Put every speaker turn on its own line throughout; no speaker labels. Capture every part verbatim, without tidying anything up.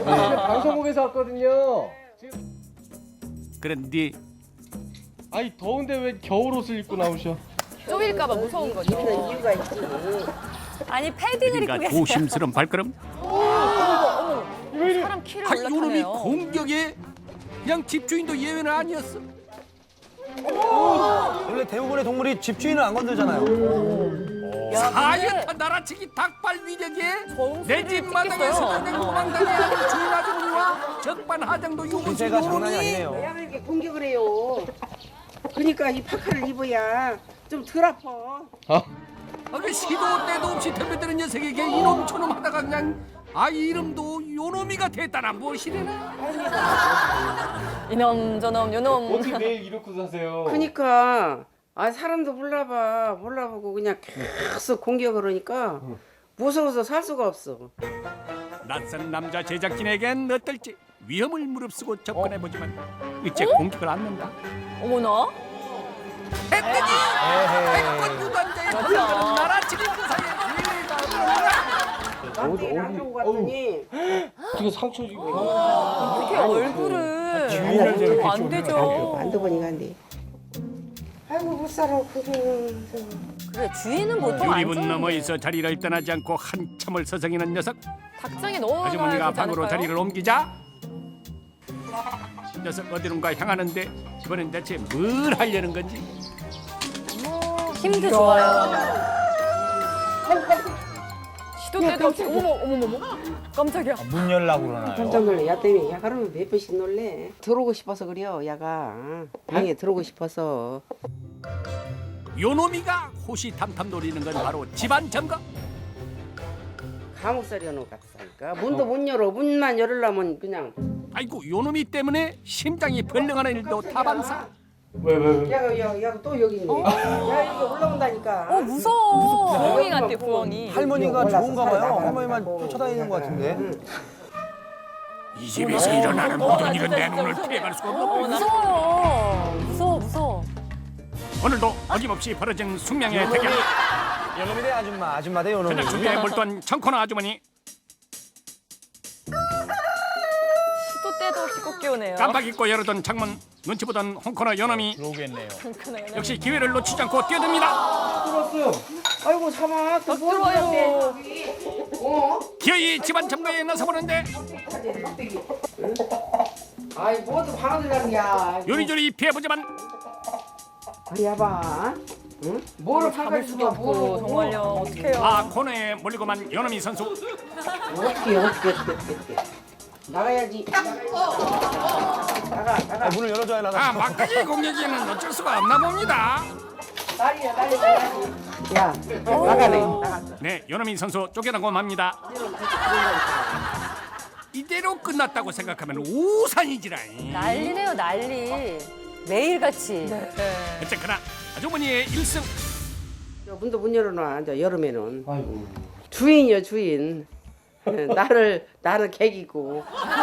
방송국에서 왔거든요.
그런데
아니 더운데 왜 겨울 옷을 입고 나오셔?
쪼일까봐 무서운 거죠.
이유가 있지.
아니 패딩을 입고
그러니까
계세요.
조심스러운 발걸음.
사람 키를
아, 요놈이
올라타네요.
공격에 그냥 집주인도 예외는 아니었어.
원래 대부분의 동물이 집주인을 안 건들잖아요.
야,
하얗다 나라치기 닭발 위력에 내 집 마당에서
찍겠어요.
그냥 도망다니는 주인 아주머니와 적반하장도 요구시
기세가 장난이
요놈이
아니네요.
왜 이렇게 공격을 해요? 그러니까 이 파카를 입어야 좀 덜 아파.
아, 그 시도 때도 없이 덤벼드는 녀석에게 이놈 저놈 하다가 그냥 아 이름도 요놈이가 됐다나 무엇이래나.
이놈 저놈 요놈.
어떻게 매일 이렇게 사세요?
그러니까 아 사람도 몰라봐 몰라보고 그냥 계속 공격을 하니까 무서워서 살 수가 없어.
낯선 남자 제작진에겐 어떨지 위험을 무릅쓰고 접근해보지만 일제 공격을 않는다.
어머나.
했더니 백권 유단자의 돌려가는 나라치기 그 사이에
나한테 나가고 갔더니
어떻게 상처 지고?
어떻게 얼굴을.
주인을 저렇게
안
좀
되죠.
만져보니까 안 돼. 아이고 못 살아 그게.
그래 주인은 보통 안
유리문
쫓는데.
넘어 있어 자리를 떠나지 않고 한참을 서성이는 녀석.
닭장에 넣어놔야
아주머니가
되지
방으로
않을까요?
자리를 옮기자 녀석 어디론가 향하는데 이번엔 대체 뭘 하려는 건지.
힘도 좋아요. 시도 때도 없이 어머머 어머머머 깜짝이야.
문 열라고 그러나요?
깜짝 놀래. 야 때문에 야 하루에 몇 번씩 놀래. 들어오고 싶어서 그래요. 야가 방에 들어오고 싶어서.
요놈이가 호시탐탐 노리는 건 바로 집안 점거.
감옥살이 하는 것 같다니까. 문도 못 열어. 문만 열으려면 그냥.
아이고 요놈이 때문에 심장이 벌렁하는 일도 타반사.
왜 왜 왜?
야가 야, 야가 또 여기 있네. 야 이게 올라온다니까.
어 무서워. 부엉이 같대 부엉이.
할머니가
올라서
좋은가
살에
봐요.
나가라고.
할머니만 쫓아다니는 것 같은데.
이 집에서 일어나는 모든 일은 내 눈을 피해갈 수가
어,
없고
무서워요. 무서워 무서워.
오늘도 어김없이 벌어진 숙명의 대결.
요놈이 대 아줌마, 아줌마 대 요놈이.
저녁 준비에 몰두한 청코나 아주머니.
시도 때도 없이 꼭 깨우네요.
깜빡 잊고 열어둔 창문 눈치 보던 홍코너 요놈이
들어오겠네요.
역시 기회를 놓치지 않고 뛰어듭니다.
들었어요.
아이고 참아. 또 뭐
들어와요.
하는데 여기. 어?
기어이 집안 점거에 나서보는데
아이 뭐도 방아들 가는야.
요리조리 피해보지만
아야 봐. 응? 뭐를
잡을
팔갈
수도
수가
없고
없고
정말요. 어떡해요.
아 코너에 몰리고만 요놈이 선수.
어떻게 어떻게 어떻게 어떻게 나가야지. 나가 나가.
아, 문을 열어줘야 나가.
아 막까지 공격에는 어쩔 수가 없나 봅니다.
난리야 난리 나야지. 야 나가네. 나갔어.
네 요놈이 선수 쫓겨나고 맙니다. 이대로 끝났다고 생각하면 우산이지라잉.
난리네요 난리. 매일같이.
어쨌거나 아주머니의 일승.
저 문도 못 열어놔. 이제 여름에는
아이고.
주인이요 주인. 나를 나는 객이고.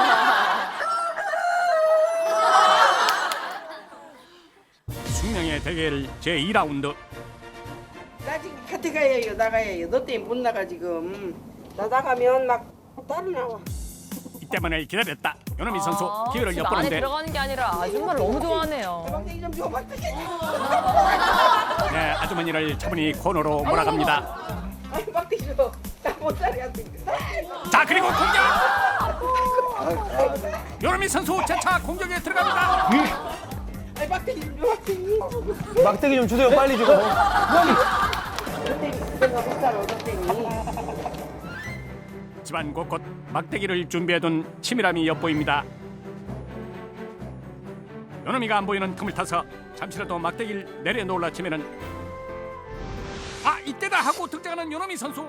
숙명의 대결 제이 라운드.
나 지금 곁에 가야 해요 나가야 해요. 너 때문에 못 나가 지금. 나 나가면 막 따로 나와.
이때만을 기다렸다. 요놈이 선수
아,
기회를
집 안에
엿보는데
들어가는 게 아니라 아줌마를 너무 좋아하네요.
막대기 좀 줘. 막대기.
네, 아주머니를 차분히 코너로 몰아갑니다.
아이 막대기 줘. 나못 살이야 지금.
자 그리고 공격. 요놈이 선수 재차 공격에 들어갑니다.
아이 막대기 좀 줘. 막대기.
막대기 좀 주세요, 빨리 좀.
막대기 내가 못 살아 막대기.
집안 곳곳 막대기를 준비해둔 치밀함이 엿보입니다. 요놈이가 안 보이는 틈을 타서 잠시라도 막대기를 내려놓으려 치면은 아 이때다 하고 등장하는 요놈이 선수.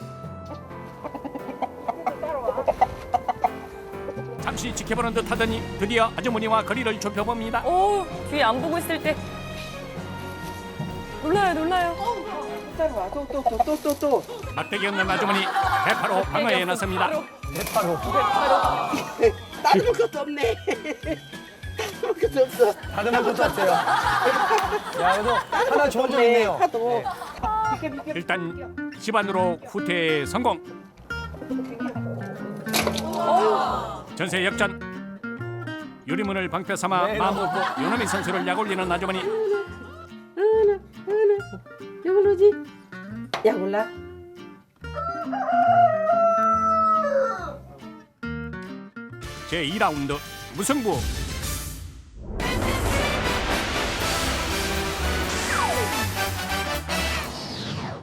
잠시 지켜보는 듯하더니 드디어 아주머니와 거리를 좁혀봅니다.
오 뒤에 안 보고 있을 때 놀라요 놀라요.
따라와. 또 또 또 또 또 또.
막대기 없는 아주머니 대파로 방어에 나섭니다.
대파로.
따를 것도 없네. 따를 것도 없어.
다듬을 것도 없어요. 야, 그래도 하나 좋은 점 있네요.
하도. 비켜 비켜.
일단 집안으로 후퇴 성공. 전세 역전. 유리문을 방패 삼아
네,
마음 먹고 요놈이 선수를 약올리는 아주머니.
하나 하나 이걸 오지? 야 몰라.
제이 라운드 무승부.